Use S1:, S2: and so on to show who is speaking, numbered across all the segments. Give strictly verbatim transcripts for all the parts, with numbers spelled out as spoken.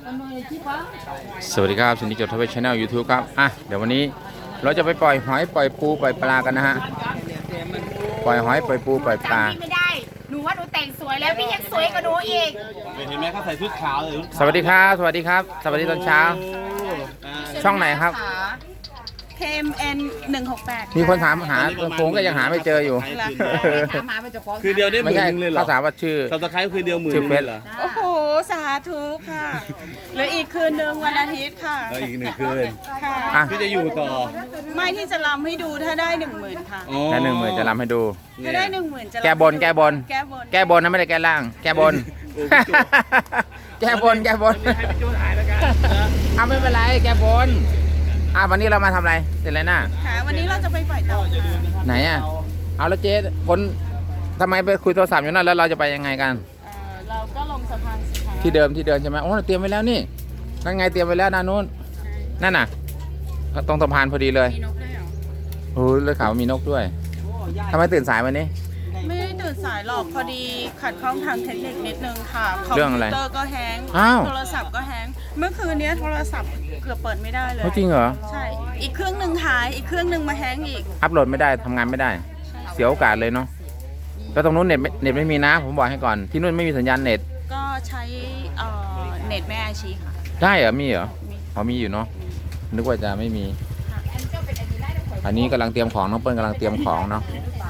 S1: สวัสดีครับชินดิจดทวีชแนลยูทูบครับอ่ะเดี๋ยววันนี้เราจะไปปล่อยหอยปล่อยปูปล่อยปลากันนะฮะปล่อยหอยปล่อยปูปล่อยปลา
S2: ไม่ได้หนูว่าหนูแต่งสวยแล้วพี่ยังสวยกว่าหนูอีก
S3: เห็นไหมเขาใส่ชุดขาวเลย
S1: สวัสดีครับสวัสดีครับสวัสดีตอนเช้าช่องไหนครับ
S2: เคมเอ็นหนึ่งหกแปด
S1: มีคนถามหาผมก็ยังหาไม่เจออยู่
S3: คือเดียวได้หมื่นนึงเลยเหรอ
S1: เขาถามว่าชื่อ
S3: สับตะไคร้คือเดียวหมื่น
S1: ชื่อเฟซ
S3: เหรอ
S2: โอ้โหสาธุค่ะเหลืออีกคืนหนึ่งวันอาทิตย์ค่ะ
S3: แล้วอีกหนึ่งคืน
S2: ค่ะ
S3: พี่จะอยู่ต่อ
S2: ไม่ที่จะรำให้ดูถ้าได้หนึ่งหมื่นค่ะ
S1: แค่หนึ่งหมื่นจะรำให้ดู
S2: ถ้าได้หนึ่งหมื่นจะ
S1: แก้บนแก้บน
S2: แก้บน
S1: แก้บนนะไม่ได้แก้ล่างแก้บนแก้บนแก้บนเอาไม่เป็นไรแก้บนอ่ะวันนี้เรามาทำอะไรเสร็จแล้วนะ
S2: ค่ะวันนี้เราจะไปปล่อยเต่า
S1: ไหนอ่ะเอาแล้วเจ๊คนทำไมไปคุยโทรศัพท์อยู่นั่นแล้วเราจะไปยังไงกัน
S2: เราก็ลงสะพานสิคะ
S1: ที่เดิมที่เดิมใช่ไหมโอ้เตรียมไว้แล้วนี่นั่นไงเตรียมไว้แล้วด้านนู้นนั่นน่ะก็ตรงสะพานพอดีเลย
S2: มีนกด้วยเหรอ
S1: โอ้เลยข่าวมีนกด้วยทำไมตื่นสายวันนี้
S2: ไม่ได้ตื่นสายหรอกพอดีขัดข้องทางเทคนิคนิดนึงค่ะคอม
S1: เรื่อง
S2: พิ
S1: อะไร
S2: วเตอร์ก็แฮงก์
S1: อ้าว
S2: โทรศัพท์ก็แฮงก์เมื่อคืนนี้โทรศัพท์เกือบเปิดไม่ได้เลย
S1: จริงเหรอ
S2: ใช่อีกเครื่องหนึ่งหายอีกเครื่องหนึ่งมาแฮงก์อีก
S1: อัพโหลดไม่ได้ทำงานไม่ได้เสียโอกาสเลยเนาะแล้วตรงนู้นเน็ตเน็ตไม่มีนะผมบอกให้ก่อนที่นู่นไม่มีสัญญาณเน็ต
S2: ก็ใช้เอ่อเน็ตแม่อาชีค่ะ
S1: ได้เหรอมีเหรอพอมีอยู่เนาะนึกว่าจะไม่มีอันนี้กำลังเตรียมของน้องเปิ้ลกำลังเตรียมของเนาะ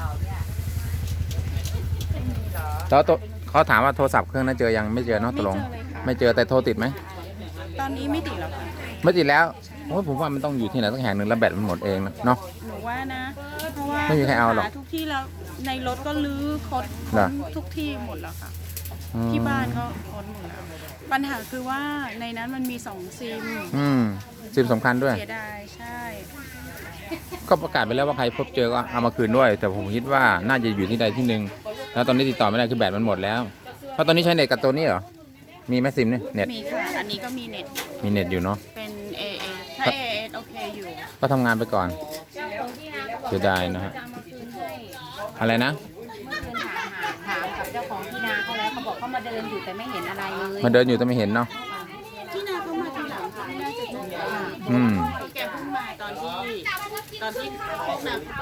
S1: แล้วเขาถามว่าโทรศัพท์เครื่องนั้นเจอยังไม่เจอเนาะตกลงไม่เจอแต่โทรติดไหม
S2: ตอนนี้ไม่ติดแล้วค่ะ
S1: ไม่ติดแล้วโอ้ผมว่ามันต้องอยู่ที่ไหนสักแห่งหนึ่งแล้วแบตมันหมดเองเนาะ
S2: หนูว่านะเพราะว่า
S1: ไม่มีใครเอาหรอก
S2: ทุกที่แล้วในรถก็ลื้อค้นทุกที่หมดแล้วค่ะที่บ้านก็ค้นหมดแล้วปัญหาคือว่าในนั้นมันมีสองซิม
S1: อืมซิมสำคัญด้วย
S2: เสียดายใช่
S1: ก็ประกาศไปแล้วว่าใครพบเจอก็เอามาคืนด้วยแต่ผมคิดว่าน่าจะอยู่ที่ใดที่หนึ่งแล้วตอนนี้ติดต่อไม่ได้คือแบตมันหมดแล้วเพราะตอนนี้ใช้เน็ตกับตัวนี้เหรอมีไหมซิมเนี่ยเน็ต
S2: มีค่ะอันนี้ก็มีเน็ต
S1: มีเน็ตอยู่เนาะ
S2: เป็น เอ เอ ถ้า เอ เอ โอเคอยู่
S1: ก็ทำงานไปก่อนเสียดายนะฮะอะไรนะ
S4: ถามกับเจ้าของที่นาเขาแล้วเขาบอกเขามาเดินอยู่แต่ไม่เห็นอะไรเลย
S1: มาเดินอยู่แต่ไม่เห็นเนาะ
S2: ที่นาเขามาทีหลังค่ะไม่น่าจะเจอ
S1: อืม
S2: แกเพิ่งมาตอนที่ตอนที่พวกนาไป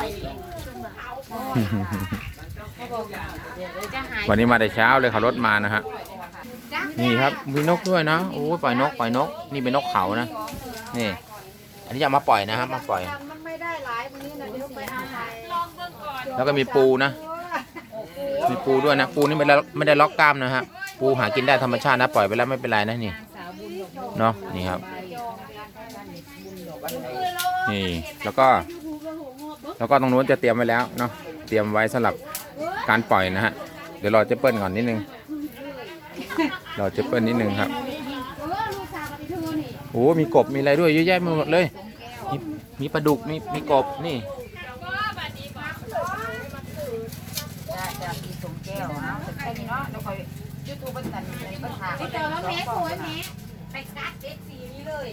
S1: วันนี้มาแต่เช้าเลยขับรถมานะฮะนี่ครับมีนกด้วยนะโอ้ปล่อยนกปล่อยนกนี่เป็นนกเขานะนี่อันนี้จะมาปล่อยนะครับมาปล่อยแล้วก็มีปูนะมีปูด้วยนะปูนี่ไม่ได้ไม่ได้ล็อกกล้ามนะฮะปูหากินได้ธรรมชาตินะปล่อยไปแล้วไม่เป็นไรนะนี่เนาะนี่ครับนี่แล้วก็แล้วก็ตรงนู้นจะเตรียมไว้แล้วเนาะเตรียมไว้สำหรับการปล่อยนะฮะเดี๋ยวรอเจเปิ้ลก่อนนิดนึงรอเจเปิ้ลนิดนึงครับโอ้มีกบมีอะไรด้วยเยอะแยะหมดเลยมีมีปลาดุกมีมีกบนี่
S4: จะมีสมแก้วนะแค่นี้เนาะแล้วคอยยูทูบเป็นตันเป็นทางไปเจอแล้วแม่สวยแม่ไปกัดเด็กสีนี้เลย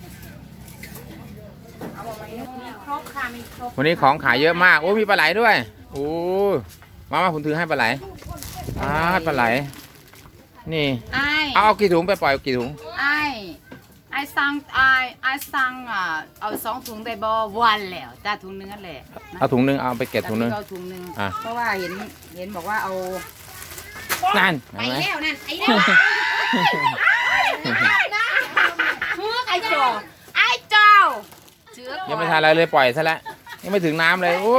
S1: วันนี้ของขายเยอะมากโอ้มีปลาไหลด้วยโอ้มามาผมถือให้ปลาไหลอ่าปลาไหลนี่เอาเอากี่ถุงไปปล่อยกี่ถุง
S2: ไอ้ไอ้สั่งไอ้ไอ้สั่งอ่ะเอาสองถุงได้บ่วันแล้วจ้าถุงนึงนั่นแหละ
S1: เอาถุงนึงเอาไปเก็บถุงนึง
S4: เอาถุงนึงเพราะว่าเห็นเห็นบอกว่าเอา
S1: นั่น
S4: ไปแล้วนั่นไอ้เด้อไอ้เจ้า
S2: ไอ้เจ้า
S1: ยังไม่ทานอะไรเลยปล่อยซะแล้วยังไม่ถึงน้ำเลยโอ้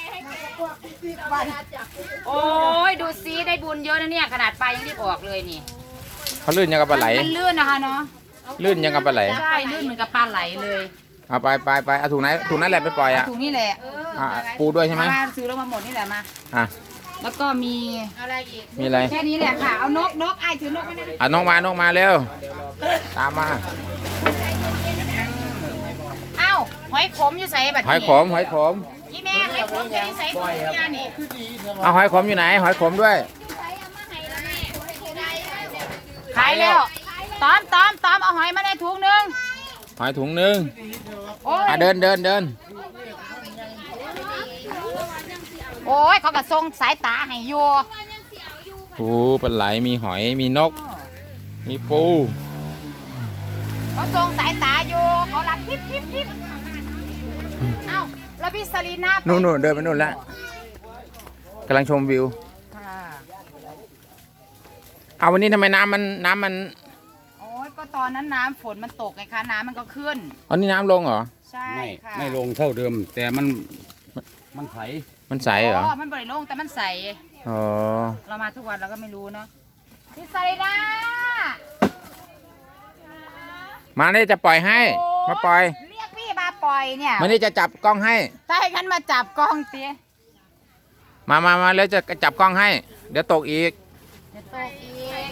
S4: โอ้ยดูซิได้บุญเยอะนะเนี่ยขนาดปลายังรีบออกเลยนี่
S1: เขาลื่นยังกับปลาไหล
S4: มันลื่นนะคะเนาะ
S1: ลื่นยังกับปลาไหล
S4: ใช่ลื่นเหมือนกับปลาไหลเลย
S1: เอาไปไปไปเอาถุงไหนถุงนั้นแหละไปปล่อยอ่ะ
S4: ถุงนี่แหละ
S1: ปูด้วยใช่ไหม
S4: มาซื้อแล้วมาหมดนี่แหละมา
S1: อ่ะ
S4: แล้วก็มีอะไรอีก
S1: มีอะไร
S4: แค่นี้แหละค่ะเอานกนกไอ้ถือนกไม่ได้
S1: อ่ะนกมานกมาเร็วตามมา
S4: เอ้าหอยขมอยู่ใส่บัตร
S1: หอยขมหอยขม
S4: พี่แม่หอยขมอยู่ใส่ถุงยานี่
S1: เอาหอยขมอยู่ไหนหอยขมด้วย
S4: ขายแล้วตอมตอมตอมเอาหอยมาในถุงนึง
S1: หอยถุงนึงอ่ะเดินเดินเดิน
S4: โอ้ยเขากระทรงสายตาให้ยัว
S1: ปูปลาไหลมีหอยมีนกมีปู
S4: เขาทรงสายตาอยู่เขาหลับทิพทิพทิพเอ้าแล้วพี่สลีน่า
S1: นู่นนู่นเดินไปนู่นแล้วกำลังชมวิว
S4: ค่ะ
S1: เอาวันนี้ทำไมน้ำมันน้ำมัน
S4: โอ้ยก็ตอนนั้นน้ำฝนมันตกไงคะน้ำมันก็ขึ้น
S1: อันนี้น้ำลงเหรอ
S4: ใช่
S3: ไม่
S4: ค่ะ
S3: ไม่ลงเท่าเดิม แต่มันมันไถ
S1: มันใสเหรอ
S4: อ๋อมันบริโลงแต่มันใส
S1: อ๋อ
S4: เรามาทุกวันเราก็ไม่รู้เนาะพี่สลีน่า
S1: มานี่จะปล่อยให้ มาปล่อย
S4: เรียกพี่มาปล่อยเนี่ย
S1: มานี่จะจับกล้องให้
S4: ถ้าให้กันมาจับกล้องเตี้ย
S1: มามามาแล้วจะจับกล้องให้ เดี๋ยวตกอีก
S4: จะตกอีก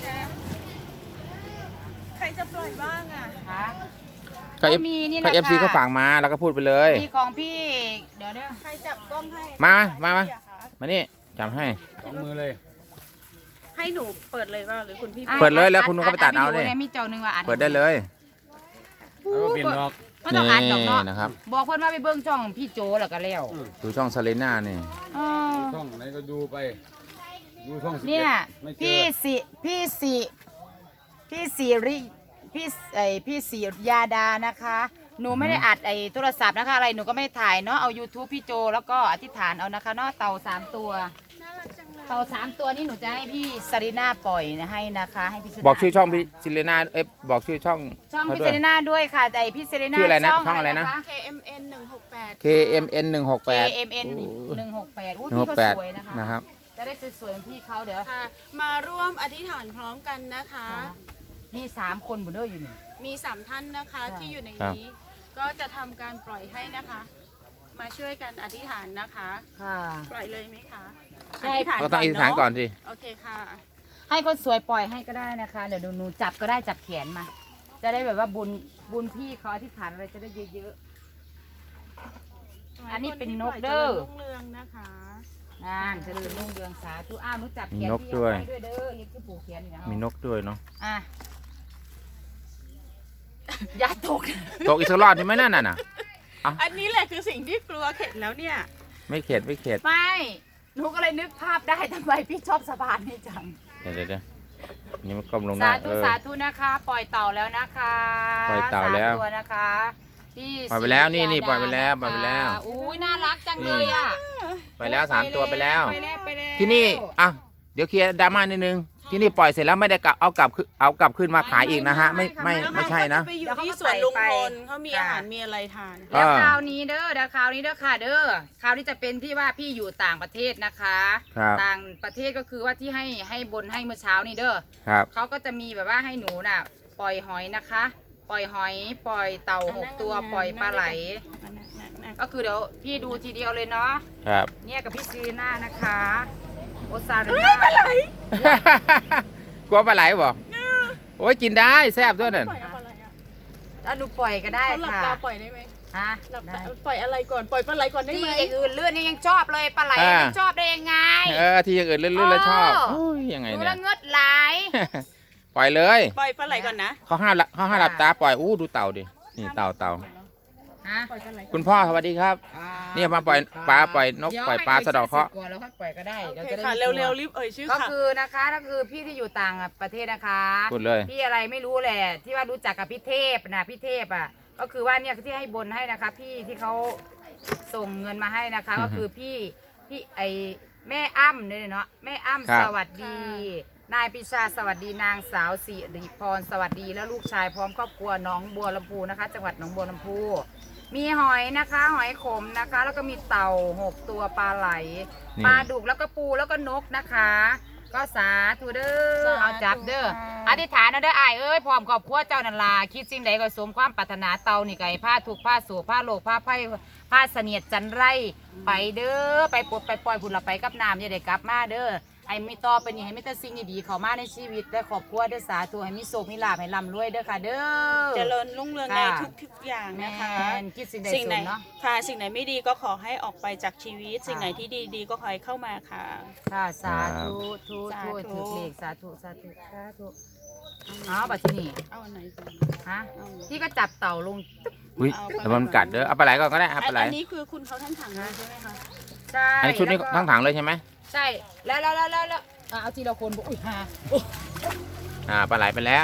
S2: ใครจะปล่อยบ้างอ่ะ
S4: ฮะ
S1: ก็เอฟ
S4: มีนี่
S1: ก็
S4: นะ
S1: เอฟซี
S4: คะ
S1: เขาฝากมาแล้วก็พูดไปเลย
S4: มีของพี่เดี๋ยวเดี๋ยว
S2: ใครจับกล้องให้
S1: มา มามา มานี่จับให้
S3: สองมือเลย
S2: ให้หนูเปิดเลยว่าหรือคุณพี่
S4: อ่ะ
S1: เปิดเลยแล้วคุณก็ไปตัดเอา
S4: วิ
S1: ดิ
S4: โมีเจ้าหนึ่งว่าอัด
S1: เปิดได้เลย
S3: แล้วก็เปลี่ยนดอก
S4: มันต้องอัดดอกเนาะ
S1: นะครับ
S4: บอกเพื่อนว่าไปเบิ้งช่องพี่โจแล้วก็แล้ว
S1: ดูช่องซาเลน่านี่
S4: เออ
S3: ช่องไหนก็ดูไป ดูช่องสิบ
S4: เนี่
S3: เอ็
S4: ย
S3: ดไม่เจ
S4: พี่
S3: อ
S4: สิพี่สิพี่สิริพี่ไอพี่สิยาดานะคะ หนูไม่ได้อัดไอโทรศัพท์นะคะอะไรหนูก็ไม่ได้ถ่ายเนาะเอา YouTube พี่โจแล้วก็อธิษฐานเอานะคะเนาะเต่าสามตัว
S2: น่ารักจังเลย
S4: เต่าสามตัวนี้หนูจะให้พี่สรีน่าปล่อยนะให้นะคะให้พี่สรีน่า
S1: บอกชื่อช่องพี่ซิเลน่าเอ๊ะบอกชื่อช่อง
S4: ช่อง
S1: เขา
S4: พี่
S1: ด้
S4: เซ
S1: วย
S4: รีน่าด้วยค่ะแต่พี่เซรีน่า
S1: ชื่ออะไรนะช่องอะไรนะ
S4: ค
S2: เค เอ็มเอ็นหนึ่งหกแปด
S1: เค เอ็ม เอ็น หนึ่งหกแปด
S4: เค เอ็ม เอ็น หนึ่งหกแปดอู้
S1: หนึ่งห
S4: พี่
S1: ก
S4: ก็
S1: แปด
S4: สวยนะคะ
S1: นะครับ
S4: จะได้สวยๆเหมือนพี่เขาเดี๋ยว
S2: ค่ะ มาร่วมอธิษฐานพร้อมกันนะคะ
S4: มีสามคนบุเดอร์อยู่นี่
S2: มีสามท่านนะคะ
S4: ค่ะ
S2: ที่อยู่ใน
S1: ครับ
S2: นี้ ก็จะทำการปล่อยให้นะคะ มาช่วยกันอธิษฐานนะคะ
S4: ค่ะ
S2: ปล่อยเลยไหมคะ
S4: ใช่ค่ะ
S1: ก็ต้องอธิษฐานก่อนสิ
S2: โอเคค่ะ
S4: ให้คนสวยปล่อยให้ก็ได้นะคะ เดี๋ยวหนูจับก็ได้จับแขนมา จะได้แบบว่าบุญบุญพี่เขาอธิษฐานอะไรจะได้เยอะๆ อันนี้เป็นนกเด้อ
S2: คนที่ปล่ยเจริญรุ่งเรืองนะคะ
S4: นานเจะเริญรุ่งเรืองสาธุอ้าวหนูจับแขน
S1: มีนก
S4: พี่
S1: ด้วย
S4: เอาได้วยเด้อเฮ็ดคือผูกแขนอยู่นะ
S1: มีนกด้วยเนาะ
S4: อ่ะอย่าตก
S1: ตกอีกสักรอบใช่ไหมนั่นน่ะ
S2: อันนี้แหละคือสิ่งที่กลัวเข็ดแล้วเนี่ย
S1: ไม่เข็ดไม่เข็ด
S4: ไม่หนูก็เลยนึกภาพได้ทำไมพี่ชอบสะพานนี่จัง
S1: เดี๋ยวเดี๋ยวเดี๋ยวนี่มันก้มลง
S4: สา
S1: ได้
S4: ธุ
S1: เออ
S4: สาธุนะคะ ปล่อยเต่าแล้วนะคะ
S1: ปล่อยเต่าแล้ว
S4: สมตัวนะคะพี่
S1: ปล่อยไปแล้วนี่
S4: ศรี
S1: นี่
S4: ดา
S1: ปล่อยไปแล้วปล่อยไปแล้ว
S4: นะคะอุ้ยน่ารักจังเลยอ่ะ
S1: ไปแล้วสามตัวไปแล้ว
S4: ไปแล้วไปแล้ว
S1: ที่นี่อ่ะเดี๋ยวเคลียร์ดราม่านิดนึง ที่นี่ปล่อยเสร็จแล้วไม่ได้กลับเอากลับขึ้นเอากลับขึ้นมาขายอีกนะฮะ ไม่ไม่ไม่ใช่นะ
S2: เขาจไปอยู่ที่สวนลุงพลเขามีอาหารมีอะไรทาน
S4: แล้ว
S1: อ่า
S4: คราวนี้เด้อเดี๋ยวคราวนี้เด้อค่ะเด้อคราวนี้จะเป็นที่ว่าพี่อยู่ต่างประเทศนะคะ
S1: ครับ
S4: ต่างประเทศก็คือว่าที่ให้ให้บนให้เมื่อเช้านี้เด้อ
S1: ครับ
S4: เขาก็จะมีแบบว่าให้หนูน่ะ ปล่อยหอยนะคะ ปล่อยหอย ปล่อยเต่าหกตัวปล่อยปลาไหล ก็คือเดี๋ยวพี่ดูทีเดียวเลยเนาะ
S1: ครับ
S4: เนี่ยกับพี่ซีน่านะคะโอซาเรน่าปลาไหล
S1: กลัวปลาไหลบ่โอ้ยกินได้แซ่บด้วยนั่น
S2: ปล่อยอะไรอ่ะ
S4: แล้วหนูปล่อยก็ได้
S2: เขาหลับ
S4: ค่ะ
S2: ตาปล่อยได้ไหม
S4: ฮะ
S2: หลับ
S4: ได้
S2: ตาปล่อยอะไรก่อนปล่อยปลาไหลก่อนได้
S4: ที่
S2: ไหม
S4: อย่างอื่นเลื่อนนี่ยังชอบเลยปลาไหลยังชอบได้ยังไง
S1: เออที่อย่างอื่นเลื่อนๆแล้วชอบ
S4: โอ้
S1: โอ้ยยังไง
S4: ดู
S1: เนี่
S4: แล้
S1: ยว
S4: เงือดไหล
S1: ปล่อยเลย
S2: ปล่อยปลาไหลก่อนนะ
S1: เขาห้ามละเขาห้ามหลับตาปล่อยอู้ดูเต่าดินี่เต่าเต่า
S4: ฮะ
S2: ปล่อยปลาไหล
S1: คุณพ่อสวัสดีครับ เนี่ยมาปล่อยปลาปล่อยนก
S4: เดี๋ยว
S1: ปล่อยปลาสะเดอกเคราะห์
S4: ให้ก่อนแล้วค่อยปล่อยก็ได้
S2: โอ
S4: เดี๋ยว
S2: เค
S4: จะได้
S2: ค่ะ
S4: ไม่กลัว
S2: เร็วๆรีบเอ่ยชื่อ
S4: ก็
S2: ค่ะ
S4: คือนะคะก็คือพี่ที่อยู่ต่างประเทศนะคะ
S1: พูดเลย
S4: พี่อะไรไม่รู้แหละ ที่ว่ารู้จักกับพี่เทพนะพี่เทพอ่ะก็คือว่าเนี่ยที่ให้บนให้นะคะ พี่ที่เขาส่งเงินมาให้นะคะ
S1: อือฮึ
S4: ก็คือพี่พี่ไอแม่อ้ำเนี่ยเนาะแม่อ้ำ
S1: ครับ
S4: สวัสดี นายปิชาสวัสดีนางสาวสิริพรสวัสดีและลูกชายพร้อมครอบครัวหน้องบัวลำพูนะคะ จังหวัดหนองบัวลำพูมีหอยนะคะ หอยขมนะคะ แล้วก็มีเต่าหกตัวปลาไหล
S1: นี่
S4: ปลาดุกแล้วก็ปูแล้วก็นกนะคะ ก็สาธุเด้อเอาจับเด้ออธิษฐานนะเด้ออ้ายเอ้ยพร้อมครอบครัวเจ้านันลาคิดสิ่งใดก็สมความปรารถนาเตานี่ไก่ผ้าถูกผ้าสูผ้าโลกผ้าไผ่ผ้าเสนียดจันไรไปเด้อไปปลดไปปล่อยผุนละไปกับน้ำอย่าได้กลับมาเด้อไอ้ไม่ต่อไปนี่ให้มีแต่สิ่งดีๆเข้ามาในชีวิตและครอบครัวเด้อสาธุให้มีโชคมีลาภให้ร่ำรวยเด้อค่ะเด้อ
S2: เจริญรุ่งเรืองใน
S4: ค่ะ
S2: ทุกๆอย่าง
S4: แม่
S2: นะคะ
S4: นคิดสิ่งใด
S2: สิ่ง
S4: ส
S2: ไหน
S4: มเนาะ
S2: ค่ะสิ่งไหนไม่ดีก็ขอให้ออกไปจากชีวิต
S4: ค่ะ
S2: สิ่งไหนที่ดีๆก็ขอให้เข้ามาค่ะ
S4: ค่ะสาธุทุ
S2: สา
S4: ทุ
S2: ธุ
S4: ถูกเลขสาธุสาธุสาธุอ๋อบัดที่นี่
S2: เอาอันไหนก่อน
S4: ฮะ
S2: เอาอันไหน
S4: ที่ก็จับเต่าลงตึ๊บ
S1: อุ้ยแต่มันกัดเด้อเอาปลาไหลก่อนก็ได้เอาปลาไหล
S2: อันนี้คือคุณเขาท่านถังเลยใช่ไหมคะ
S4: ใช่
S1: อันนี้ชุดนี้
S4: แล้วก็
S1: ทั้งถังเลยใช่ไหม
S4: ใช่แล้วแล้วแล้วแล้วแล้วอ่ะเอาทีละคนบอกอุ้ยฮา
S1: อ่าปลาไหลไปแล้ว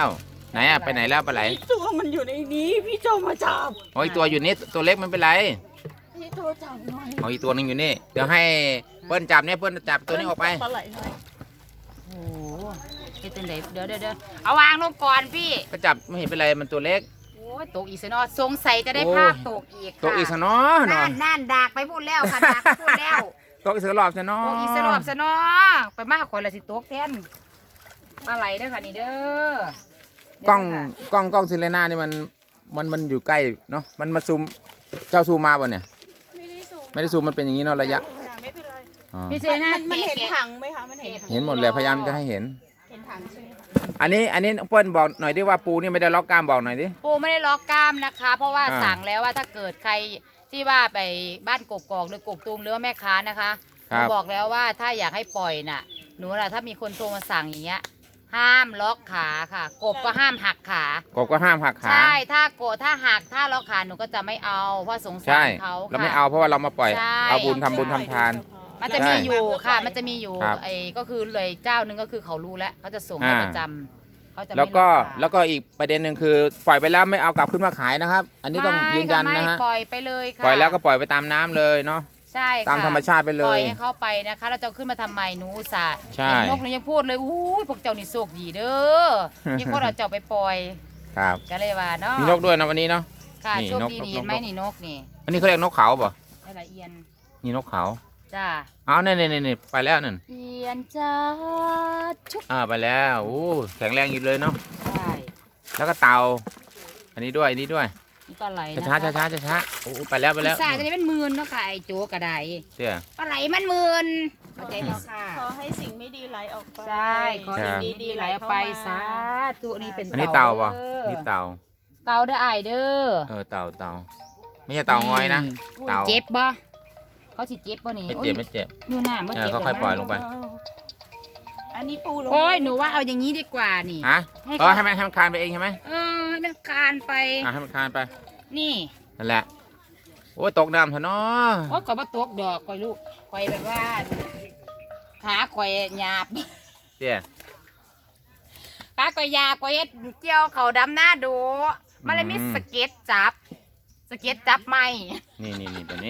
S1: ไหนอะไปไหนแล้วปลาไหล
S2: ตัวมันอยู่ในนี้พี่โจมาจับ
S1: โอ้ยตัวอยู่นี่ตัวเล็กมันเป็นไร
S2: พี่โจจับหน่อย
S1: เอาอีกตัวหนึงอยู่นี่เดี๋ยวให้เปิ้ลจับเนี่ยเปิ้ลจับตัวนี้ออกไป
S2: ปลาไหลหน่อย
S4: โอ้โหเฮ็ดจังไดเดี๋ยวเดี๋ยวเดี๋ยวเอาวางลงก่อนพี่
S1: ก็จับไม่เห็นเป็นไรมันตัวเล็ก
S4: โอ้ยตกอีกซะเนาะสงสัยจะได้
S1: โอ้
S4: ภาพตกอีกค่ะ
S1: ตัวอีกสนอเนาะ
S4: นั่นนั่นดากไปพูดแล้วค่ะดากไปพูดแล้ว
S1: ตัวอีกสรอบสนอ
S4: ตกอีกสรอบซะเนาะไปมากคนละสิตกแทนปลาไหลเด้อค่ะนี่เด้อก
S1: ล้องกล้องกล้องซิเลน่านี่มันมันมันอยู่ใกล้เนาะมันมาซูมเจ้าซูมมาบ่เนี่ย
S2: ไม่ได้สูบ
S1: ไม่ได้ซูมมันเป็นอย่างนี้เนาะระยะ
S2: ไม่เป็นไร
S1: อ๋อ
S4: พี่เจน่า
S2: มันมันเห็น
S4: แกะ
S2: ถังไหมคะมันเห็น
S1: เห็นหมดเลยพยายามจะให้เห็น
S2: เห็นถังใช่ไหมคะ
S1: อันนี้อันนี้เปิ้ลบอกหน่อยดิว่าปูนี่ไม่ได้ล็อกกล้ามบอกหน่อยดิ
S4: ปูไม่ได้ล็อกกล้ามนะคะ เพราะว่า
S1: อ่า
S4: สั่งแล้วว่าถ้าเกิดใครที่ว่าไปบ้านกกอกหรือกกตูมหรือว่าแม่ค้านะคะห
S1: ครั
S4: นู
S1: บ
S4: บอกแล้วว่าถ้าอยากให้ปล่อยน่ะหนูน่ะถ้ามีคนโทรมาสั่งอย่างเงี้ยห้ามล็อกขาค่ะ กบก็ห้ามหักขาก
S1: บก็ห้ามหักขา
S4: ใช่ถ้าโกะถ้าหักถ้าล็อกขาหนูก็จะไม่เอาเพราะสงสา
S1: ใช่
S4: รเขา
S1: เรา
S4: ค่ะ
S1: ไม่เอาเพราะว่าเรามาปล่อย
S4: ใช่
S1: เอาบุญทำบุญทำทาน
S4: มันจะ
S1: ใช่
S4: มีอยู่ค่ะ มันจะมีอยู่
S1: ครับ
S4: ไอ้ก็คือเลยเจ้าหนึงก็คือเขารู้แล้วเขาจะส่งให้
S1: อ่า
S4: ประจำเขาจะไม่
S1: แล้วก็
S4: ล็อกขา
S1: แล้วก็อีกประเด็นหนึ่งคือปล่อยไปแล้วไม่เอากลับขึ้นมาขายนะครับ อันนี้ต้อง
S4: ไม่
S1: ยืนยันนะ
S4: ค่
S1: ฮะ
S4: ไม่ปล่อยไปเลยค่ะ
S1: ปล่อยแล้วก็ปล่อยไปตามน้ำเลยเนาะ
S4: ใช่ค่ะ
S1: ตามธรรมชาติไปเล
S4: ปล่อย ยให้เขาไปนะคะแล้วจะเอาขึ้นมาทำไมหนูอุตส่าห์
S1: ใช่
S4: เห็นนกหนูยังพูดเลยอู้ยพวกเจ้านี่โชคดีเด้อนี่คนเอาเจ้าไปปล่อย
S1: ครับ
S4: ก็เลยว่าเนาะ
S1: มีนกด้วยนะวันนี้เนาะ
S4: ค่ะ
S1: นี่
S4: โชคน
S1: ก
S4: ดี
S1: นก
S4: นี่เห็นไหม
S1: นก
S4: นี่นกนี่
S1: อันนี้เขาเรียกนกเขาป่ะ
S4: ได้ละเอียน
S1: นี่นกเขา
S4: จ้า
S1: เอาเนี่ยเนี่ยเนี่ยไปแล้วนั่น
S4: เอียนจ้าชุบ
S1: อ่าไปแล้วโอ้แข็งแรงอยู่เลยเนาะ
S4: ใช่
S1: แล้วก็เต่าอันนี้ด้วยอันนี้ด้วย
S4: นี่ปลาไหลนะ
S1: ช้าช้าช้าช้าช้าๆโอ้ไปแล้วไปแล้ว
S4: สาจะได้เป็นหมื่นเนาะค่ะไอ้โจกระได
S1: เสี่ย
S4: ปลาไหลมันหมื่นเข้าใจไหมค่ะ
S2: ขอให้สิ่งไม่ดีไหลออกไป
S4: ใช่ขอ
S1: ครั
S4: ให้
S1: บ
S4: ดีๆไหลออกไปสาธุนี่เป็น
S1: อันนี้เต่าป่ะ
S4: ด้อ
S1: นี่เต่า
S4: เต่าเด้อไอายเด้อ
S1: เออเต่าเต่าไม่ใช่เต่างอยนะ เต่า
S4: เจ็บบ่เขาสิเจ็บบ่นี่
S1: ไม่เจ็บไม่เจ็บ
S4: อยู่หน้าไม่
S1: เออ
S4: เจ็บ
S1: ค่อยๆปล่อยลงไป
S2: อันนี้ปูลง
S4: โอ้ยหนูว่าเอาอย่างนี้ดีกว่านี่
S1: ฮะเออให้มันให้มันคลานไปเองใช่ไหม
S4: เออให้มันคลานไป
S1: อ่ะให้มันคลานไป
S4: นี่
S1: นั่นแหละโอ้ยตกน้ำเถอะเนาะ
S4: โอ้ยก่อยมาตกดอกก่อยลูกก่อยแบบว่าขาก่อยหยาบ
S1: เสี่ย
S4: ขาก่อยหยาบก่อยเฮ็ดเจียวเขาดำหน้าดูมันเลยมี
S1: อืม
S4: สเก็ตจับ สเก็ตจับไม่
S1: นี่นี่นี่ตัวนี้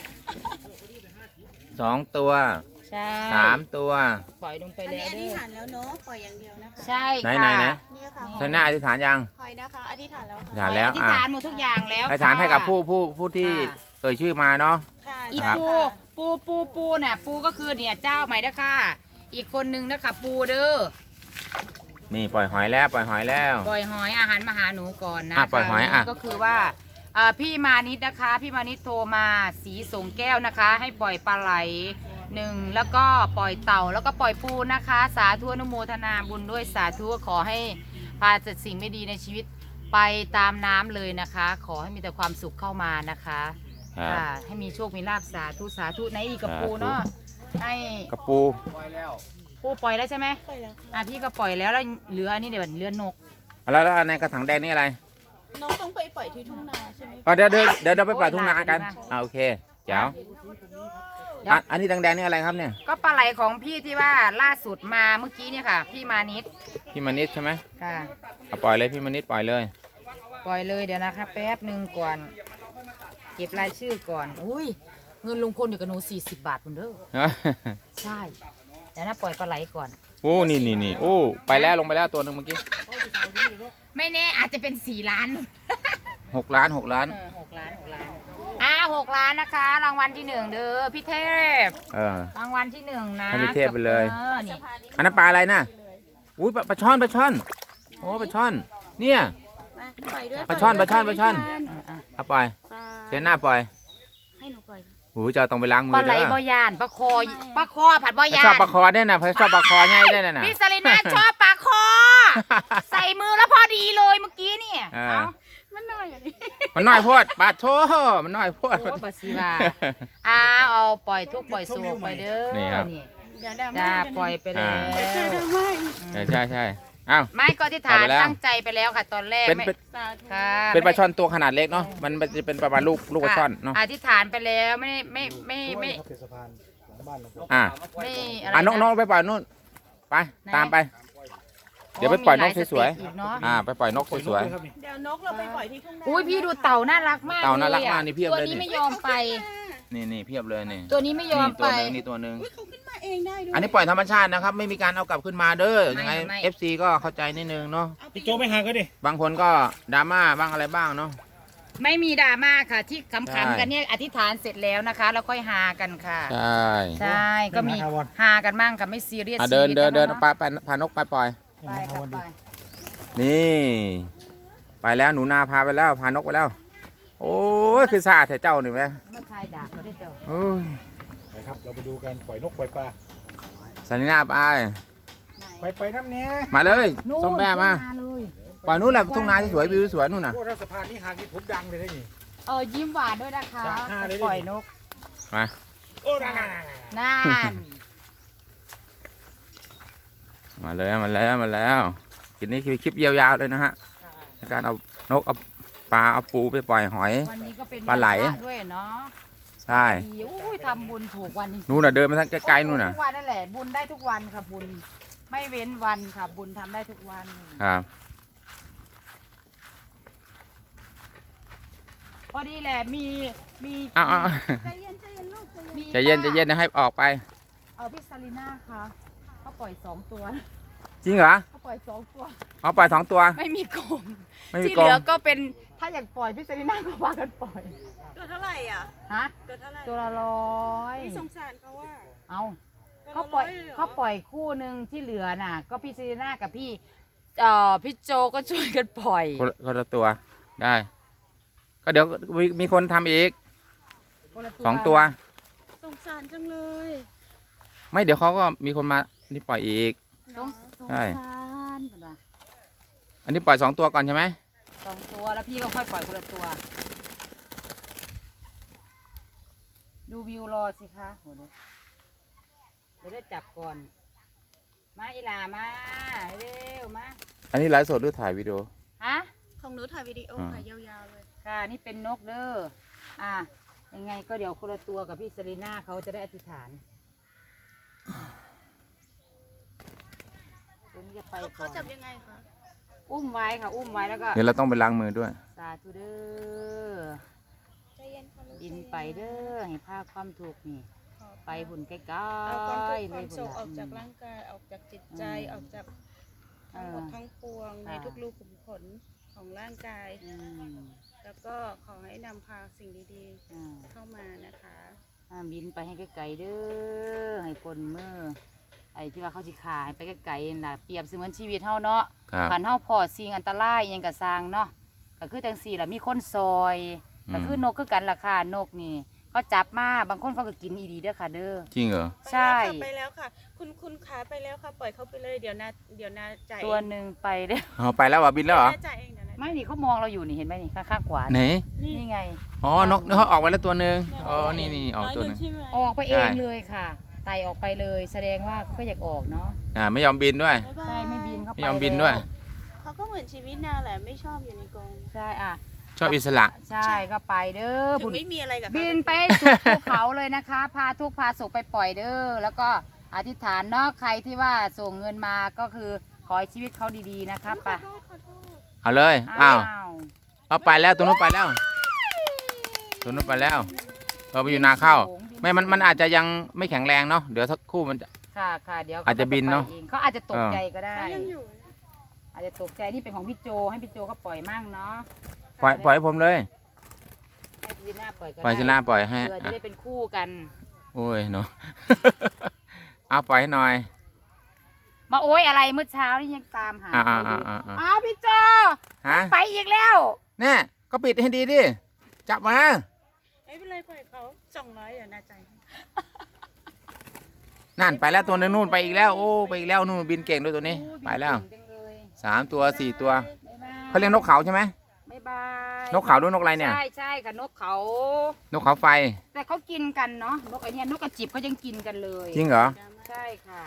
S1: สองตัว
S4: ใช่
S1: สามตัว
S4: ปล่อยลงไป
S2: อัน
S4: แล้
S2: นี้
S4: ว
S2: อธิ
S4: เด้อ
S2: ษฐานแล้วเนาะปล่อยอย่างเดียวนะคะ
S4: ใช่
S1: ไหน
S4: ค่ะ
S1: ไหนไหน
S2: เนี่ยค่ะ
S1: ท่านหน้าอธิษฐานยัง
S2: คอยนะคะอธิษฐานแล้ว
S1: อธิษ
S2: ค่ะ
S1: ฐานแล้ว
S4: อธิษ
S1: อ่ะ
S4: ฐานหมดทุกอย่างแล้ว
S1: อธิษฐานให้กับผู้ผู้ผู้ที่
S4: ค่ะ
S1: เอ่ยชื่อมาเนาะ
S2: ค่ะ
S4: อี
S1: ครับ
S4: ปูปูปูปูน่ะปูก็คือเนี่ยเจ้าใหม่นะค่ะอีกคนนึงนะคะปูเด้อ
S1: นี่ปล่อยหอยแล้วปล่อยหอยแล้ว
S4: ปล่อยหอยอาหารมาหาหนูก่อนนะ
S1: อ่ะปล่อยหอยอ่ะ
S4: ก็คือว่าเอ่อพี่มานิดนะคะ พี่มานิดโทรมาสีสงแก้วนะคะ ให้ปล่อยปลาไหลหนึ่งแล้วก็ปล่อยเต่าแล้วก็ปล่อยปูนะคะ สาธุอนุโมทนาบุญด้วยสาธุขอให้พาจัดสิ่งไม่ดีในชีวิตไปตามน้ำเลยนะคะ ขอให้มีแต่ความสุขเข้ามานะคะ
S1: ครับ
S4: ค่ะให้มีโชคมีลาภสาธุสาธุไหนอีกกับ
S1: สาธุ
S4: ปูเนาะให้
S1: กระปู
S3: ปล่อยแล้ว
S4: ปูปล่อยแล้วใช่ไหม
S2: ปล่อยแล้ว
S4: อ่ะพี่ก็ปล่อยแล้วแล้วเหลืออันนี้เดี๋ยวเหลือนก
S1: แล้วแล้วในกระถางแดงนี่อะไร
S2: น้องต้องไปปล่อยที่ทุ่งนาใช่ไหม
S1: อ๋อเดี๋ยวเดี๋ยวเดี๋ยวเราไปปล่อยทุ่งนากันอ่าโอเคเจ๋ว
S4: เดี๋ยว
S1: อ่ะอันนี้แดงๆนี่อะไรครับเนี่ย
S4: ก็ปลาไหลของพี่ที่ว่าล่าสุดมาเมื่อกี้เนี่ยค่ะ พี่มานิด
S1: พี่มณิชใช่ไหม
S4: ค่ะ
S1: เอาปล่อยเลยพี่มณิชปล่อยเลย
S4: ปล่อยเลยเดี๋ยวนะคะแป๊บหนึ่งก่อน เก็บรายชื่อก่อนอุ้ยเงินลุงพลอยู่กับหนูสี่สิบบาทคุณเด้อใช่เดี๋ยวนะปล่อยปลาไหลก่อน
S1: โอ้นี่นี่นี่โอ้ไปแล้วลงไปแล้วตัวหนึ่งเมื่อกี้
S4: ไม่แน่อาจจะเป็นสี่ล้าน
S1: หกล้านหกล้าน
S4: เออหกล้านหกล้านอ่าหกล้านนะคะ รางวัลที่หนึ่งเด้อพี่เทพ
S1: เออ
S4: รางวัลที่หนึ่งนะ
S1: ให้พี่เทพไปเลย
S4: ออนี่
S1: อันนั้นปลาอะไรน่ะอุ้ยปลาปลาช่อนปลาช่อนโอ้ปลาช่อนเนี่ย
S2: มาปล่อยด้วย
S1: ปลาช่อนปลาช่อนปลาช่อน
S4: อ่ะ
S1: เอาปล่อย
S2: ปลา
S1: เชนหน้าปล่อย
S2: ให้หนูปล่อย
S1: โอ้ยจะต้องไปล้างมื
S4: ปลา
S1: อ
S4: ไหล
S1: เด้อ
S4: บ่ยานปลาคอปลาคอผัดบ่ยา
S1: ชอบ
S4: น
S1: ปลาคอเนี่ยนะชอบปลาคอง่ายได้น่ะ
S4: พี่สลิน่าชอบปลาคอ ใส่มือแล้วพอดีเลยเมื่อกี้เนี่ย
S1: เออ
S4: เอา
S2: มันน้อยอย่างนี้
S1: มันน้อยโพดปลาโถมันน้อยโพด
S4: โอ้ปลาซีวาอ้าวเอาปล่อยทุกข์ปล่อยโศกไปเด้อ
S1: นี่ครับ
S2: เดี๋ยวดราม่า
S4: จ้าปล่อยไปแล้ว
S2: เดี๋ยวดราม่าอีก
S1: ใช่ใช่ใช่อ้าว
S4: ไม่ก็ที่ฐาน
S1: เอาไปแล้ว
S4: ตั้งใจไปแล้วค่ะตอนแรก
S1: เป็น
S4: ไม่
S1: เป็น
S2: สาธุ
S4: ค่ะ
S1: เป็นปลาช่อนตัวขนาดเล็กเนาะมันจะเป็นประมาณลูกลูกปลาช่อนเนาะ
S4: อธิษฐานไปแล้วไม่ได้ไม่ไม่ไม่
S1: อ่ะ
S4: ไม่อะไร
S1: อ่ะน้องน้อง
S4: นะ
S1: ไปปล่อยนู่นไป
S4: ไหน
S1: ตามไปเดี๋ยวไปปล่อยนกสวย
S4: ๆอีกเนาะ
S1: ๆอ่าไปปล่อยนกสวย
S2: เดี๋ยวนกเราไปปล่อยที่ทุ่งนา
S4: อุ้ยพี่ดูเต่าน่ารักมาก
S1: เต่าน่ารัก
S4: ลยอะ
S1: มากนี่เพียบ
S4: ตัว
S1: เลย
S4: นี้
S1: นี่
S4: ไม่ยอมไป
S1: ๆนี่นี่เพียบเลยนี่
S4: ตัวนี้ไม่ยอม
S1: นี่ตั
S4: ไป
S1: วหนึงนี่ตัวหนึง
S2: อุ๊ยเขาขึ้นมาเองได้ด้วย
S1: อันนี้ปล่อยธรรมชาตินะครับ ไม่มีการเอากลับขึ้นมาเด้อ
S4: ไม่
S1: ยังไง
S4: ไม่
S1: เอฟซีก็เข้าใจนิดนึงเนาะ
S5: พี่โจไม่ห่างก็ดิ
S1: บางคนก็ดราม่าบ้างอะไรบ้างเนาะ
S4: ไม่มีดราม่าค่ะ ที่ข
S1: ใช่
S4: ำๆกันเนี่ยอธิษฐานเสร็จแล้วนะคะ แล้วค่อยหากันค่ะ
S1: ใช่
S4: ใช่ก็มีหากันมั่งค่ะไม่ซีเรียส
S1: อ่ะเดิน
S4: ชีวิต
S1: เดินเดิน
S4: อะ
S1: ไปไปพานกไปปล่อย
S4: ไปค่ะไป
S1: นี่ ไปแล้วหนูนาพาไปแล้วพานกไปแล้ว โอ้ยคือซาแต่เจ้าหนึ่งไหม
S4: เมื่อชายด่าเขาได้เจอ
S1: โอ้ย
S5: ไปครับ เราไปดูกันปล่อยนกปล่อยปลา
S1: สันนินาไป
S5: ไปไปน้ำเนี้ย
S1: มาเลย
S4: นู่น
S1: ส้มแม่มา
S4: เลย
S1: ปล่อยนู้นแหละทุ่งนาที่สวยวิวสวยนู่นน่ะ
S5: พวกรัฐสภานี่ห่างที่ผมดังเลยได้นี่
S4: เออยิ้มหวานด้วยนะคะ
S5: จากห้าเลยดิ
S4: ปล่อยนก
S1: มา
S5: โอ้นั่น
S4: น่าน
S1: มาแล้วมาแล้วมาแล้วคลิปนี้คือคลิปยาวๆเลยนะฮะในการเอานกเอาปลาเอาปูไปปล่อยหอย
S4: วันนี้ก็เป็น
S1: ปลาไหล
S4: วันพระด้วยเนาะ
S1: ใช่
S4: ดีอุ้ยทำบุญถูกวันจริงๆ
S1: นู่นน่ะเดินมาทางไกลๆนู่นน่ะ
S4: ทุกวันนั่นแหละบุญได้ทุกวันค่ะบุญไม่เว้นวันค่ะบุญทำได้ทุกวัน
S1: ครับ
S4: พอดีแหละมีมี
S1: อ้าวอ้าว
S2: ใจเย็นใจเย็นลูกใจเย็น
S4: มี
S1: ใจเย็นใจเย็นนะให้ออกไป
S4: เออพี่ซาลีน่าค่ะเขาปล่อยสองตัว
S1: จริงเหรอ
S4: เขาปล่อยสองตัว
S1: เอาปล่อยสองตัว
S4: ไม่มีกรง
S1: ไม่มี
S4: ที่
S1: กร
S4: เห
S1: ง
S4: ลือก็เป็นถ้าอยากปล่อยพี่ซาลีน่าก็พากันปล่อย
S2: ตัวเท่าไหร่อ่ะ
S4: ฮะ
S2: ตัวเท่าไหร่
S4: ตัวละร้อย
S2: ไม่สงสารเขาว่า
S4: เอาเขาปล่อย
S2: ตัวละร้อยเลยเหรอ
S4: เขาปล่อยคู่หนึ่งที่เหลือน่ะ ก็พี่ซาลีน่ากับพี่เอ่อพี่โจก็ช่วยกันปล่อย
S1: คนละคนละตัวได้ ก็เดี๋ยวมีมีคนทำอีก
S4: คนละ
S1: สองตัว
S2: สงสารจังเลย
S1: ไม่เดี๋ยวเขาก็มีคนมานี่ปล่อยอีก
S4: สงส
S1: ใช่
S4: าร
S1: อันนี้ปล่อยสองตัวก่อนใช่ไหม
S4: สองตัวแล้วพี่ก็ค่อยปล่อยคนละตัว ดูวิวรอสิคะโหเดี๋ยวเดี๋ยวได้จับก่อน มาอีหลามาเร็วมา
S1: อันนี้ไลฟ์สดหรือถ่ายวิดีโอ
S4: ฮะ
S2: ของหนูถ่ายวิดีโอ
S1: อ่า
S2: ค่ะยาวๆเลย
S4: ค่ะนี่เป็นนกเด้ออ่ะยังไงก็เดี๋ยวคนละตัวกับพี่เซรีน่าเขาจะได้อธิษฐานตัวนี้จะไป
S2: เขา
S4: ก่
S2: เขา
S4: อน
S2: จับยังไงคะ
S4: อุ้มไว้ค่ะ อุ้มไว้แล้วก็
S1: เดี๋ยวเราต้องไปล้างมือด้วย
S4: สาธุเด้อ
S2: ใจเย็นค่ะลูก
S4: บินไปเด้อให้ภาคความถูกข์นี่
S2: ขอ
S4: ไปหุ่นใกล้
S2: เอาความทุกข์
S4: ๆ
S2: ความ
S4: พุ่
S2: โศก
S4: ล่ะ
S2: ออกจากร่างกายออกจากจิตใจออกจากทั้งหมดทั้งปวงในทุกรูขุมขนของร่างกาย
S4: อืม
S2: แล้วก็ขอให้นำพาสิ่งดี
S4: อ่า
S2: ๆเข้ามานะคะ
S4: อ่าบินไปให้ไกลๆเด้อให้ปนมือไอ้ที่ว่าเขาสิขายไปไกลๆนั่นล่ะเปรียบเสมือนชีวิตเฮาเนาะ
S1: ครับ
S4: ขันเฮาพอสิ่งอันตรายอิหยังกะสร้างเนาะก็คือจังสี่ล่ะมีคนซอย
S1: อืม
S4: ก็คือนกคือกันราคานกนี่เขาจับมาบางคนเขาก็กินอีดีเด้อค่ะเด้อ
S1: จริงเหรอ
S4: ใช่
S2: ไปแล้วค่ะไปแล้วค่ะ คุณคุณขาไปแล้วค่ะ ปล่อยเขาไปเลย เดี๋ยวนาเดี๋ยวนาจ่าย
S4: ตัวหนึ่งไปเด้อ
S1: เอาไปแล้วเหรอบินแล้วเหรอ
S2: นาจ่ายเองเดี๋ยวนา
S4: ไม่นี่เขามองเราอยู่นี่เห็นไหมนี่ข้างๆขวา
S1: ไหน
S4: นี่นี่ไง
S1: อ๋อนกเขาออกไปแล้วตัวหนึ่งอ๋อ นี่นี่ออกตัวหนึ่ง
S2: ใช่ไหม
S4: ออกไปเอง
S1: ใช่
S4: เลยค่ะไต่ออกไปเลย แสดงว่าก็อยากออกเนาะ
S1: อ่าไม่ยอมบินด้วย
S2: บ๊ายบาย
S4: ใช่ไม่บินเข้าไป
S1: ไม่ยอมบินด้วย
S2: เขาก็เหมือนชีวิตนาแหละ ไม่ชอบอยู่ในกรง
S4: ใช่อ่ะ
S1: ชอบอิสระ
S4: ใช่ก็ไปเด้อ
S2: ถึ
S4: บุ
S2: ง
S4: ญ
S2: ไม่มีอะไรกับเขา
S4: บินไปสู่ภูเขาเลยนะคะ พาทุกข์พาสุขไปปล่อยเด้อแล้วก็อธิษฐานเนาะใครที่ว่าส่งเงินมาก็คือขอให้ชีวิตเขาดีๆนะคะไป
S2: ขอโทษขอโทษ
S1: เอาเลย อ้าว
S4: ว
S1: เอาไปแล้วตัวนู้นไปแล้ว ตัวนู้นไปแล้วเราไปอยู่นาข้าวไม่มันมันอาจจะยังไม่แข็งแรงเนาะ เดี๋ยวสักครู่มันจะ
S4: ค่ะค่ะเดี๋ยว
S1: อาจจะบินเนอะ
S4: ขไปองเขาอาจจะตกใจก็ได้
S2: เขายังอยู่
S4: อาจจะตกใจนี่เป็นของพี่โจให้พี่โจเขาปล่อยมั่งเนาะ
S1: ปล่อยปล่อยให้ผมเลย
S4: ให้ซีน่าปล่อยก็
S1: ปล่อย
S4: ได้
S1: ชนะปล่อยให้
S4: เพื่อจะได้เป็นคู่กัน
S1: โอ้ยเนาะ เอาปล่อยให้หน่อย
S4: มาโอ้ยอะไรเมื่อเช้านี่ยังตามหา
S1: อ่าอ่า
S4: เขาอยู่
S1: อ่าอ่า
S4: อ้าวพี่โจ
S1: ฮะ
S4: ไปอีกแล้ว
S1: เนี่ยก็ปิดให้ดีดิ จับมา
S2: ไม่เป็นไรปล่อยเขาสองร้อยเดี๋ยวนาจ่ายให้
S1: นั่นไปแล้วตัวนึงนู่นไปอีกแล้ว โอ้ไปอีกแล้วนู่นบินเก่งด้วยตัวนี้ ไปแล้ว
S4: เก่งจังเลย
S1: สามตัวสี่ตัว
S4: บ๊ายบาย
S1: เขาเรียกนกเขาใช่ไหม
S4: บ๊ายบาย
S1: นกเขาหรือนกอะไรเนี่ย
S4: ใช่ใช่ค่ะนกเขา
S1: นกเขาไฟ
S4: แต่เขากินกันเนาะนกไอเนี้ยนกกระจิบเขายังกินกันเลย
S1: จริงเหรอ
S4: ใช่ค่ะ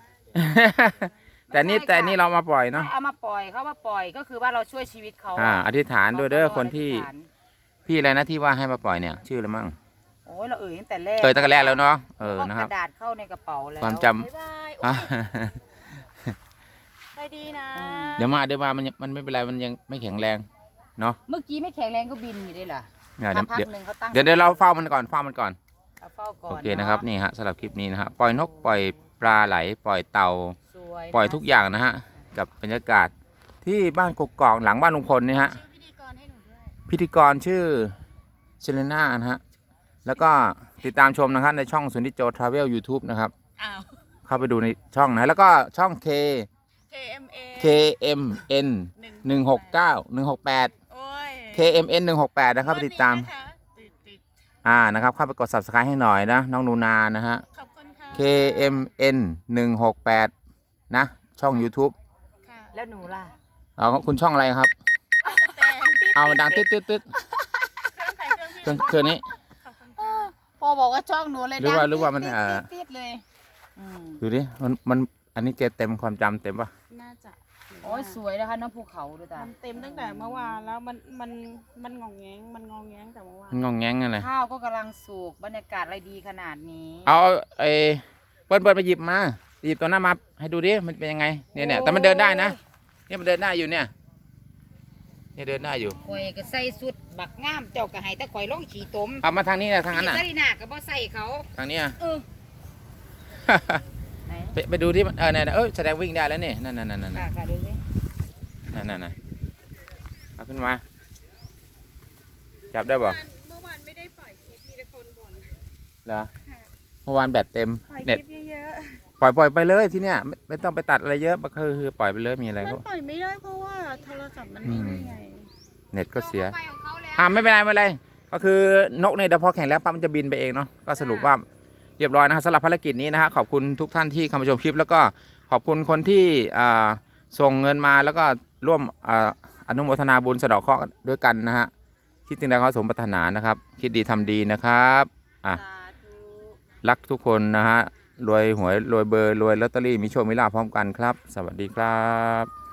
S1: แต่นี่แต่นี่เรามาปล่อยเนาะ
S4: ให้เอามาปล่อยเขามาปล่อยก็คือว่าเราช่วยชีวิตเขา
S1: อ่าอธิษฐานด้วยเด้อ
S4: ราก็
S1: คนที่
S4: อธิษฐาน
S1: พี่อะไรนะที่ว่าให้มาปล่อยเนี่ย ชื่ออะไรมั่ง
S4: โอ้ยเราเอ่ยตั้งแต่แรก
S1: เคยตั้งแต่แรกแล้วเนาะเออ
S4: เอา
S1: นะ
S4: ก
S1: ครับ
S4: ระดาษเข้าในกระเป๋าแล้ว
S1: ความจ
S2: บ๊ายบาย
S1: อ่ะ
S2: โอ้ยไปดีนะ
S1: เดี๋ยวมาเดี๋ยวมามันยังมันไม่เป็นไรมันยังไม่แข็งแรงเนาะ
S4: เมื่อกี้ไม่แข็งแรงก็บินอยู่ได้เหรอ
S1: เนี่ย
S4: สักพัก
S1: เดี๋ยว
S4: หนึ่งเขาตั้ง
S1: เดี๋ยวเดี๋ยวเราเฝ้ามันก่อนเฝ้ามันก่อน
S4: เอาเฝ้าก่อน
S1: โอเคนะครับนี่ฮะสำหรับคลิปนี้นะฮะปล่อยนกปล่อยปลาไหลปล่อยเต่า
S4: สวย
S1: ปล่อยทุกอย่างนะฮะกับบรรยากาศที่บ้านกกอกหลังบ้านลุงพลนี่ฮะ
S2: พิธีกรให้หนูด้วย
S1: พิธีกรชื่อเชเลน่านะฮะแล้วก็ติดตามชมนะครับในช่องสุนิจโจทราเวล YouTube นะครับ
S2: อ้าว
S1: เข้าไปดูในช่องนะแล้วก็ช่อง K
S2: เค เอ็ม เอ
S1: เค เอ็ม เอ็น หนึ่งหกเก้า หนึ่งหกแปด
S2: โอ้ย
S1: เค เอ็ม เอ็น หนึ่งหกแปดนะครับไปติดตาม
S2: นะคะติดติด
S1: อ่านะครับเข้าไปกด Subscribe ให้หน่อยนะน้องนูนานะฮะ
S2: ขอบคุณค่ะ
S1: เค เอ็ม เอ็น หนึ่งหกแปดนะช่อง YouTube
S2: ค่ะ
S4: แล้วหนูล่ะ
S1: เอาคุณช่องอะไรครับ
S2: แต่ติด
S1: เอาดังตึ๊ดตึ๊ดตึ๊ด
S2: เครื่องใส่เครื่อง
S1: เครื่องเครื่องนี้
S2: ขอบคุณค่ะ
S4: พ่อบอกว่าช่องหนูเลย
S1: หรือว่า
S4: ดัง
S1: หรือว่ามัน
S4: ติ๊ด
S1: เอ่อ
S4: ติ๊ดติ๊ดเลยอืม
S1: ดูดิมันมันอันนี้เกเต็มความจำเต็มปะ
S2: น่าจะ
S4: โอ้ยสวยนะคะน้องภูเขาดูตา
S2: มันเต็มตั้งแต่เมื่อวานแล้วมันมันมันงองแงงมันงองแงงแต่เมื่อวาน
S1: มันงองแงงอะไร
S4: ข้าวก็กำลังสุกบรรยากาศอะไรดีขนาดนี้
S1: เอาไอ้เปิ้ลเปิ้ลมาหยิบมาหยิบตัวหน้ามาให้ดูดิมันเป็นยังไงเนี่ยเนี่ยแต่มันเดินได้นะเนี่ยมันเดินได้อยู่เนี่ยเนี่ยเดินได้อยู่
S4: ข่อยก็ใส่สุดบักงามเจ้าก็ให้แต่ข่อยลงขี่ตม
S1: เอามาทางนี้นะทางนั้น
S4: ขี่
S1: น่ะ
S4: ซาลีนาก็บ่ใส่เขา
S1: ทางนี้อ่ะ
S4: เออไหน
S1: ไปไปดูที่มันเออเนี่ยเออแสดงวิ่งได้แล้วนี่นั่นนั่นนั่นนั่น
S4: ค่ะค่ะดูสิ
S1: นั่นนั่นนั่นเอาขึ้นมาจับได้ป่ะ
S2: เมื่อวานไม่ได้ปล่อยคลิปมีแต่คนบ่น
S1: เหรอเมื่อวานแบตเต็ม
S2: ปล่อยค
S1: เน็ต
S2: ลิปเยอะ
S1: ปล่อยปล่อยไปเลยที่เนี้ยไม่ไม่ต้องไปตัดอะไรเยอะก็คือคือปล่อยไปเลยมีอะไร
S2: ๆมัน
S1: ก็
S2: ปล่อยไม่ได้เพราะว่าโทรศัพท์มัน
S1: อื
S2: ไม่
S1: ม
S2: ได้ไง
S1: เน็ตก็เสีย
S4: ไปของเขาแล้ว
S1: อ่าไม่เป็นไรไม่เป็นไรก็คือนกเนี่ยเดี๋ยวพอแข่งแล้วปั๊บมันจะบินไปเองเนาะก็สรุปว่าเรียบร้อยนะครับสำหรับภารกิจนี้นะฮะขอบคุณทุกท่านที่เข้ามาชมคลิป แล้วก็ขอบคุณคนที่อ่าส่งเงินมาแล้วก็ร่วมอ่าอนุโมทนาบุญสะเดาะเคราะห์ด้วยกันนะฮะคิดถึงใดขอสมปรารถนานะครับ คิดดีทำดีนะครับอ่ะ
S2: สาธุ
S1: รักทุกคนนะฮะรวยหวยรวยเบอร์รวยลอตเตอรี่มีโชคมีลาภพร้อมกันครับ สวัสดีครับ